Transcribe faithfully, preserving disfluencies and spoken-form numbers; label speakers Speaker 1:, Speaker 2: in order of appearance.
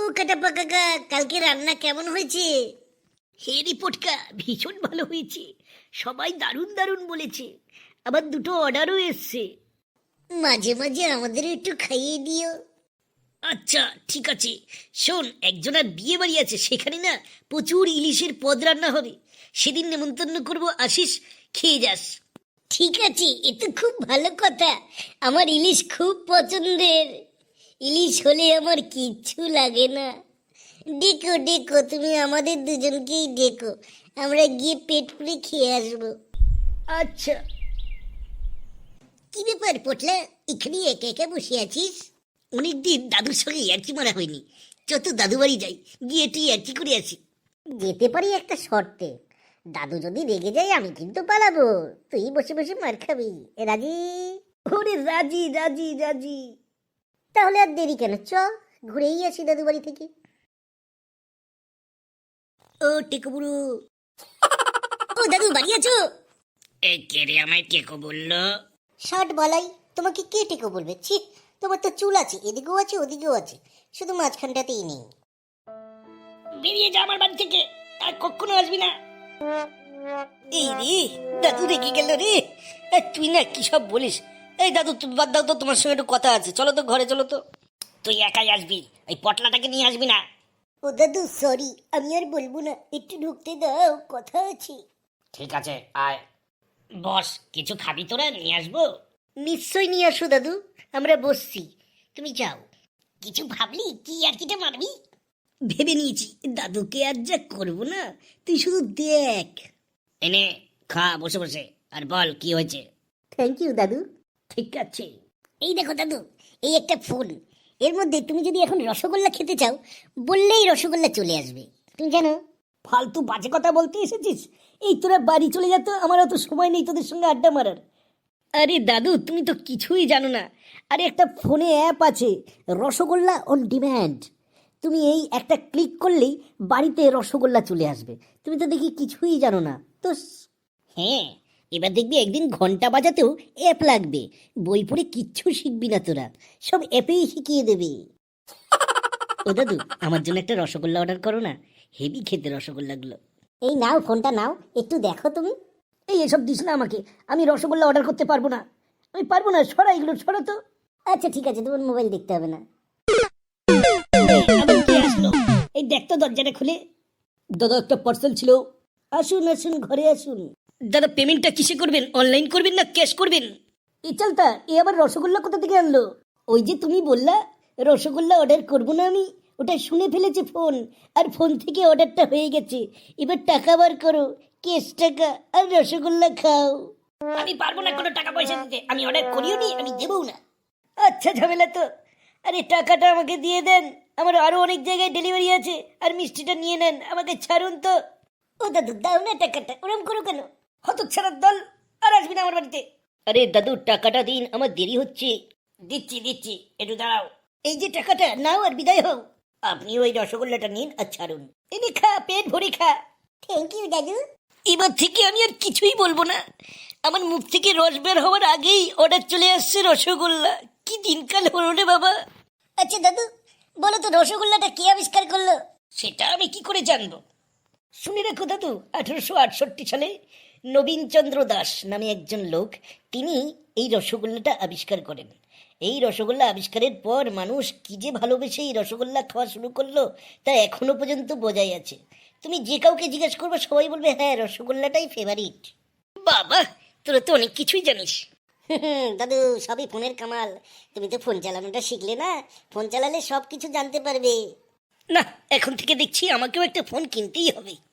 Speaker 1: কাটাপা কাকা, কালকে রান্না কেমন হয়েছে?
Speaker 2: হে রিপোর্টকা, ভীষণ ভালো হয়েছে। সবাই দারুণ দারুণ বলেছে। আবার দুটো অর্ডারও এসছে।
Speaker 1: মাঝে মাঝে আমাদের একটু খাইয়ে দিও।
Speaker 2: আচ্ছা ঠিক আছে। শোন, একজনের বিয়ে বাড়ি আছে, সেখানে না প্রচুর ইলিশের পদ রান্না হবে। সেদিন নেমন্তন্ন করব, আসিস, খেয়ে যাস।
Speaker 1: ঠিক আছে, এ তো খুব ভালো কথা। আমার ইলিশ খুব পছন্দের। ইলিশ হলে আমার কিচ্ছু লাগে না। ডেকো ডেকো, তুমি আমাদের দুজনকেই ডেকো, আমরা গিয়ে পেট পুরে খেয়ে আসবো।
Speaker 2: আচ্ছা।
Speaker 1: কি ব্যাপার পটলা, এখানে একা একা বসে আছিস?
Speaker 2: অনেকদিন দাদুর সঙ্গে ইয়ার্কি মারা হয়নি। যত দাদু বাড়ি যাই, গিয়ে একটু ইয়ার্কি করে আসি।
Speaker 1: যেতে পারি একটা শর্তে। দাদু যদি রেগে যায় আমি কিন্তু পালাবো, তুই বসে বসে মার খাবি। এ রাজি?
Speaker 2: ওরে রাজি রাজি রাজি।
Speaker 1: তাহলে আর দেরি কেন, চ ঘুরেই আসি দাদু বাড়ি থেকে।
Speaker 2: ও টেকো বুড়ো।
Speaker 1: ও দাদু, বাড়ি আছো?
Speaker 2: এই কে রে আমায় টেকো বললো?
Speaker 1: ষাট বালাই, তোমাকে কে টেকো বলবে? ছি, তোমার তো চুল আছে, এদিকেও আছে ওদিকেও আছে, শুধু মাঝখানটাতেই নেই।
Speaker 2: বেরিয়ে যা আমার বাড়ি থেকে, আর কখনো আসবি না। এই রে, দাদু রেগে গেল রে। এই তুই না কি সব বলিস। এই দাদু, তুমি বাদ দাও তো, তোমার সঙ্গে একটু কথা আছে। চলো তো ঘরে, চলো তো। তুই একাই আসবি, এই পটলাটাকে নিয়ে আসবি না।
Speaker 1: ও দাদু সরি, আমি আর বলবো না, একটু ঢুকতে দাও, কথা আছে।
Speaker 2: ঠিক আছে, আয় বস। কিছু খাবি তোরা? নিয়ে আসবো।
Speaker 1: নিশ্চয় নিয়ে আসো দাদু, আমরা বসছি, তুমি যাও।
Speaker 2: কিছু ভাবলি? কি আর কিটা মারবি? ভেবে নিয়েছি, দাদুকে আর যা করবো না, তুই শুধু দেখ। এনে খা বসে বসে, আর বল কি হয়েছে।
Speaker 1: থ্যাংক ইউ দাদু।
Speaker 2: ঠিক আছে।
Speaker 1: এই দেখো দাদু, এই একটা ফোন, এর মধ্যে তুমি যদি এখন রসগোল্লা খেতে চাও, বললেই রসগোল্লা চলে আসবে, তুমি জানো?
Speaker 2: ফালতু বাজে কথা বলতে এসেছিস? এই তোরা বাড়ি চলে যেত, আমার অত সময় নেই তোদের সঙ্গে আড্ডা মারার। আরে দাদু, তুমি তো কিছুই জানো না। আরে একটা ফোনে অ্যাপ আছে, রসগোল্লা অন ডিম্যান্ড। তুমি এই একটা ক্লিক করলেই বাড়িতে রসগোল্লা চলে আসবে। তুমি তো দেখি কিছুই জানো না তো। হ্যাঁ, এবার দেখবি একদিন ঘন্টা বাজাতেও অ্যাপ লাগবে। বই পড়ে কিচ্ছু শিখবি না তোরা, সব অ্যাপেই শিখিয়ে দেবে। ও দাদু, আমার জন্য একটা রসগোল্লা অর্ডার করো না, হেভি খেতে রসগোল্লাগুলো।
Speaker 1: এই নাও, ফোনটা নাও, একটু দেখো তুমি।
Speaker 2: এই এসব দিস না আমাকে, আমি রসগোল্লা অর্ডার করতে পারবো না। আমি পারবো না, সরা এগুলো, সরা তো।
Speaker 1: আচ্ছা ঠিক আছে, তোমার মোবাইল দেখতে হবে না।
Speaker 2: আবার কে আসলো? এই দেখ তো দরজাটা খুলে। দাদা, একটা পার্সেল ছিল। আসুন আসুন, ঘরে আসুন। দাদা, পেমেন্টটা কিসে করবেন? অনলাইন করবেন না ক্যাশ করবেন? এই চলতা, এ আবার রসগোল্লা কোথা থেকে আনলো? ওই যে তুমি বললা রসগোল্লা অর্ডার করবো না আমি, ওটা শুনে ফেলেছে ফোন, আর ফোন থেকে অর্ডারটা হয়ে গেছে। এবার টাকা বার করো, ক্যাশ টাকা, আর রসগোল্লা খাও। আমি পারবো না কোনো টাকা পয়সা দিতে, আমি অর্ডার করিও নি, আমি দেবও না। আচ্ছা, ঝামেলা তো। আরে টাকাটা আমাকে দিয়ে দেন, আমার আরো অনেক জায়গায় ডেলিভারি আছে, আর মিষ্টিটা নিয়ে নেন, আমাকে ছাড়ুন তো।
Speaker 1: ও দাদু দাও না টাকাটা, ওরম করো কেন?
Speaker 2: হতচ্ছাড়ার দল, আর আসবি না আমার বাড়িতে। আরে দাদু, টাকাটা দিন, আমার দেরি হচ্ছে। দিচ্ছি দিচ্ছি, একটু দাঁড়াও। এই যে টাকাটা নাও আর বিদায় হও। আপনি ওই রসগোল্লাটা নিন আর ছাড়ুন। এনে খা, পেট ভরে খা।
Speaker 1: থ্যাংক ইউ দাদু।
Speaker 2: এবার থেকে আমি আর কিছুই বলবো না। আমার মুখ থেকে রস বের হওয়ার আগেই অর্ডার চলে আসছে রসগোল্লা। কি দিনকাল হলো রে বাবা।
Speaker 1: আচ্ছা দাদু, বলো তো রসগোল্লাটা কে আবিষ্কার করলো?
Speaker 2: সেটা আমি কি করে জানবো? শুনে রাখো দাদু, আঠারোশো আটষট্টি সালে নবীনচন্দ্র দাস নামে একজন লোক, তিনি এই রসগোল্লাটা আবিষ্কার করেন। এই রসগোল্লা আবিষ্কারের পর মানুষ কি যে ভালোবেসে এই রসগোল্লা খাওয়া শুরু করলো, তা এখনো পর্যন্ত বোঝাই আছে। তুমি যে কাউকে জিজ্ঞেস করবে, সবাই বলবে হ্যাঁ, রসগোল্লাটাই ফেভারিট। বাবা, তোরা তো অনেক কিছুই জানিস।
Speaker 1: দাদু, সবই ফোনের কামাল। তুমি তো ফোন চালানোটা শিখলে না, ফোন চালালে সব কিছু জানতে পারবে।
Speaker 2: না, এখন থেকে দেখছি আমাকেও একটা ফোন কিনতেই হবে।